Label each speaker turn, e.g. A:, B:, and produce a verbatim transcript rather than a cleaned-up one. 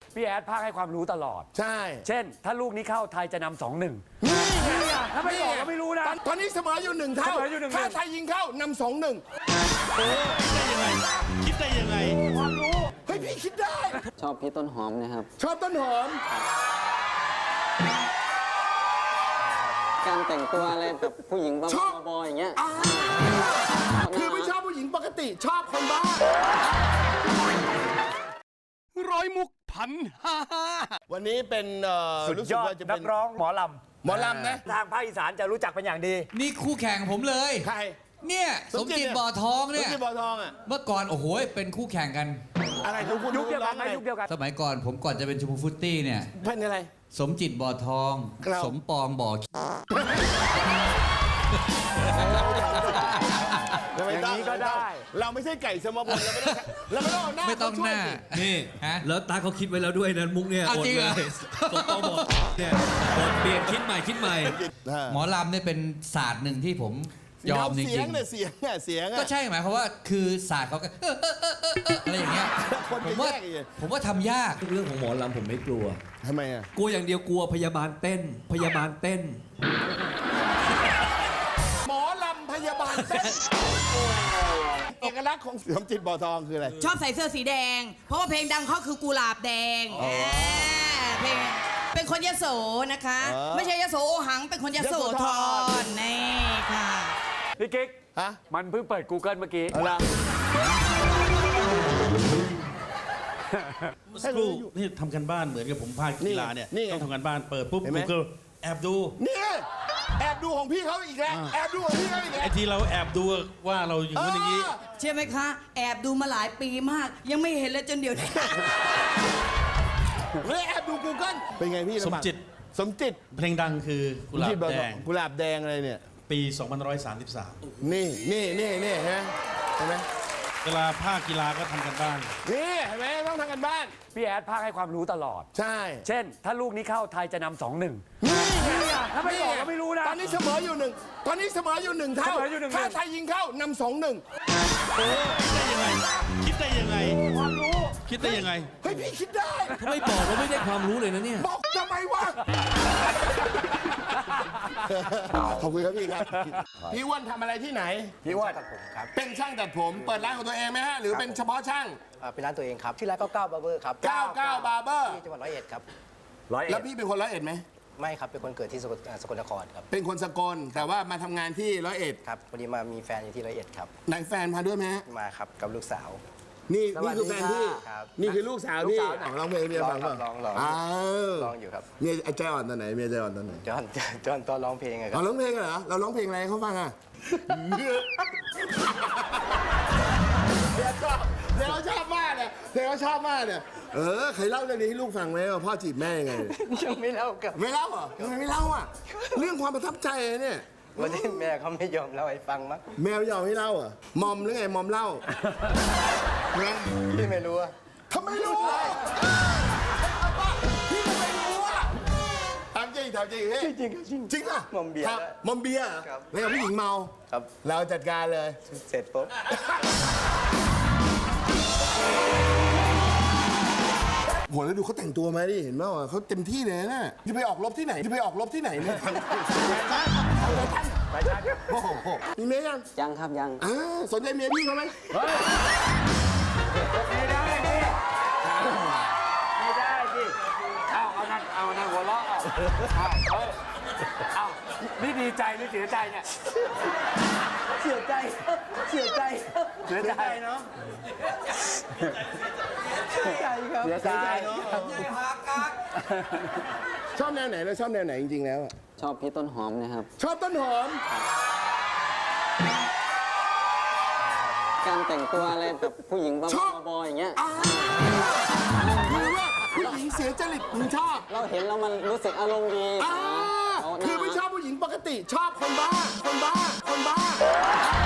A: พี่แอดภาคให้ความรู้ตลอด
B: ใช่
A: เช่น ถ้าลูกนี้เข้าไทยจะนำสองหนึ่ง
B: นี่ไง
A: ถ้าไม่บอกก็ไม่รู้นะ
B: ตอนนี้เสมออยู่หนึ่งเท่า
A: เสมออยู่หนึ่ง
B: ถ้าไทยยิงเข้านำสองหนึ่ง
C: ได้ยังไง คิดได้ยังไง
A: ความรู้
B: เฮ้ยพี่คิดได้
D: ชอบพี่ต้นหอมนะครับ
B: ชอบต้นหอม
D: การแต่งตัวอะไรแบบผู้หญิงบ้า
B: ชอบ
D: ๆบอๆอย่างเงี้ย
B: อ่าคือไม่ชอบผู้หญิงปกติชอบคนบ้า
C: ร้อยมุกพันห้า
B: วันนี้เป็นเอ่อ
A: สุด
B: รู้
A: ย
B: สึก
A: อด
B: ว่าจะ
A: นั
B: เป็น
A: กร้องหมอลำ
B: หมอลำนะ
A: ทางภาคอีสานจะรู้จักเป็นอย่างดี
E: นี่คู่แข่งผมเลย
B: ใคร
E: เนี่ย
B: ส
E: ส
B: ม
E: ม
B: จิต
E: จิต
B: เนี่ย
E: บ่อทองเนี่ย
B: ที่บ่อทองอ่ะ
E: เมื่อก่อนโอ้โหเป็นคู่แข่งกัน
B: อะไรของคุณ
A: ยุคเดียวกันไหม
B: ร้องอะไร
A: ยุคเดียวกัน
E: สมัยก่อนผมก่อนจะเป็นชมพูฟุตตี้เนี่ย
B: เป็นอะไร
E: สมจิตบ่อทอง
B: ครับ
E: สมปองบ่อ
A: อย่างนี้ก็ได้
B: เราไม่ใช่ไก่สมบูรณ์เราไม่ต้องเราไม่ต้องเอาหน้า
E: ไม่ต้องหน้า
B: เขาช่วยสิ
C: นี่
E: ฮะ
C: แล้วตาเขาคิดไว้แล้วด้วยนะมุกเนี่ย
E: เอา
C: อด
E: จริงเหรอ
C: เลยสมปองบอกเนี่ยอดเปลี่ยนคิดใหม่คิดใหม่
E: หมอลำเนี่ยเป็นศาสตร์หนึ่งที่ผมยอมจ
B: เสี
E: ริ
B: ยง
E: ง
B: เนี่ยเสียงอ่ะเสียง
E: ๆ
B: อ่ะ
E: ก็ใช่หมายความว่าคือศาสตร์เขาก็เออเออเออเออเอออะไรอย่างเงี้ย
B: คน
E: ผ
B: จะ
E: มว่า
B: แยกอีก
E: ผมว่าทำยาก
C: เรื่องของหมอลำผมไม่กลัว
B: ทำไมอ่ะ
C: กลัวอย่างเดียวกลัวพยาบาลเต้น พยาบาลเต้น
B: หมอลำพยาบาลเต้นเอกลักษณ์ของสมจิตบ่อทองคืออะไร
F: ชอบใส่เสื้อสีแดง เพราะว่าเพลงดังเขาคือกุหลาบแดงาเพลงเป็นคนยโสนะคะ
B: อ๋อ
F: ไม่ใช่ยโสโอหัง เป็นคนยโส
B: ยโสธ
F: ธ
B: ร
F: รนี่ค่ะ
A: พี่กิ๊ก
B: ฮะ
A: มันเพิ่งเปิด Google เมื่อกี้
B: อะไร
G: สักครู่นี่ทำกันบ้านเหมือนกับผมภาคกีฬาเนี่ย
B: นี่ไง
G: ต้องทำกันบ้านเปิดปุ๊บ
B: เห็นไหม
G: Google แอบดู
B: นี่แอบดูของพี่เขาอีกแล้วแอบดูของพี่เขาอีกแล้
G: ไอ้
B: ว
G: ที่เราแอบดูว่าเราอย่างนู้นอย่างนี้
F: เชื่อไหมคะ แอบดูมาหลายปีมาก ยังไม่เห็นเลยจนเดี๋ยวนี้
B: เลยแอบดู Google เป็นไงพี่
G: สมจิต
B: สมจิต
G: เพลงดังคือกุหลาบแดง
B: กุหลาบแดงอะไรเนี่ย
G: ปี สองพันหนึ่งร้อยสามสิบสาม
B: นี่นี่นี่นี่ฮะเห็นไหม
G: เวลาภาคกีฬาก็ทำกันบ้าน
B: นี่เห็นไหมต้องทำกันบ้าน
A: พี่แอดภาคให้ความรู้ตลอด
B: ใช่
A: เช่น ถ้าลูกนี้เข้าไทยจะนำสองหนึ่ง
B: นี่ไง
A: ถ้าไม่บอกก็ไม่รู้นะ
B: ตอนนี้เสมออยู่หนึ่งตอนนี้เสมออยู่หนึ่งเท่า
A: เสมออยู่หนึ่ง
B: ถ้าไทยยิงเข้านำสองหนึ่ง
C: ได้ยังไง คิดได้ยังไง
A: ความรู้
C: คิดได้ยังไง
B: เฮ้ยพี่คิดได้
C: ถ้าไม่บอกเราไม่ได้ความรู้เลยนะเนี่ย
B: บอกทำไมวะ ขอบคุณครับพี่ครับ พี่อ้วนทำอะไรที่ไหน
A: พี่ว่า
H: ตัดผมครับ
B: เป็นช่างตัดผมเปิดร้านของตัวเองไหมฮะ หรือเป็นเฉพาะช่าง
H: อ่าเป็นร้านตัวเองครับ ชื่อร้านเก้าเก้าบาร์เบอร์ครับ
B: เก้าเก้า Barber
H: ที่จังหวัดร้อยเอ็ดครับ
A: ร้อยเอ็
B: แล้
A: ด
B: วพี่เป็นคนร้อยเอ็ดไหม
H: ไม่ครับ เป็นคนเกิดที่สกลอ่าสกลนครครับ
B: เป็นคนสกลแต่ว่ามาทำงานที่ร้อยเอ็ด
H: ครับพอดีมามีแฟนอยู่ที่ร้อยเอ็ดครับ
B: ไหนแฟนมาด้วยไหมฮะ
H: มาครับกับลูกสาว
B: นี่
H: สวั
B: นี่
H: สดี
B: คือแฟนพี่
H: ครับ
B: นี่คือลูกสาวพี่
H: ลูกสาว
B: อ๋อร้องเพลงเมียฟัง
H: ร้
B: ป่ะ
H: องครับร้องร้อง
B: อ้าว
H: ร้องอยู่ครับ
B: เมียไอ้ใจอ่อนตอนไหนเมียใจอ่อนตอนไหน
H: จอนจอนตอนร้องเพลงอะค
B: อ๋
H: รั
B: อบ ร้องเพลงเหรอเราร้องเพลงอะไรให้เขาฟังอ่ะเดี๋ยวชอบเดี๋ยวชอบมากเนี่ยเดี๋ยวชอบมากเนี่ยเออเคยเล่าเรื่องนี้ให้ลูกฟังไหมว่าพ่อจีบแม่ยังไง
H: ยังไม่เล่ากับ
B: ไม่เล่าเหรอทำไมไม่เล่าอ่ะ เรื่องความประทับใจเนี่ย
H: วันนี้แม่เขาไม่ยอมเล่าให้ฟังมั้ง
B: แมวยอมให้เล่าอ่ะ มอมหรือไง มอมเล่านะ
H: พี่ไม่รู้อะ
B: ทำไมรู้อ่ะพี่ทำไมรู้อ่ะถามจริงถามจริงเฮ้ย
H: จริงครับจริง
B: จริงอ่ะ
H: มอมเบียร์
B: ครับ
H: ได้
B: มอมเบียร์เหรอ
H: ครับ
B: แล้วกับผู้หญิงเมา
H: ครับ
B: เราจัดการเลย
H: เสร็จปุ๊บ
B: โหแล้วดูเขาแต่งตัวมาดิเห็นไหมว่าเขาเต็มที่เลยนะจะไปออกรบที่ไหนจะไปออกรบที่ไหนเนี่ยโอ้โหมีเมียยัง
D: ยังครับยัง
B: อ่าสนใจเมียพี่เขาไหม
A: ไม่ได้ดิไม่ได้ดิเอาเอานั่นเอานั่นหัวเราะเอาเอาเฮ้ยเอานี่ดีใจหรือเสียใจเนี่ย
H: เสียใจเสียใจ
A: เสียใจเนาะ
H: เสียใจครับ
A: เสียใจ
B: ชอบแนวไหนแล้วชอบแนวไหนจริงๆแล้วอะ
D: ชอบพี่ต้นหอมนะครับ
B: ชอบต้นหอม
D: การแต่งตัวอะไรแบบผู้หญิงบ้า
B: ชอบ
D: ๆบอๆอย่างเงี้ย
B: อ่าคือว่าผู้หญิงเสียจริตมึงชอบ
D: เราเห็นแล้วมันรู้สึกอารมณ์ดี
B: อ่า
D: เาหน้า
B: คือไม่ชอบผู้หญิงปกติ ชอบคนบ้า คนบ้า คนบ้า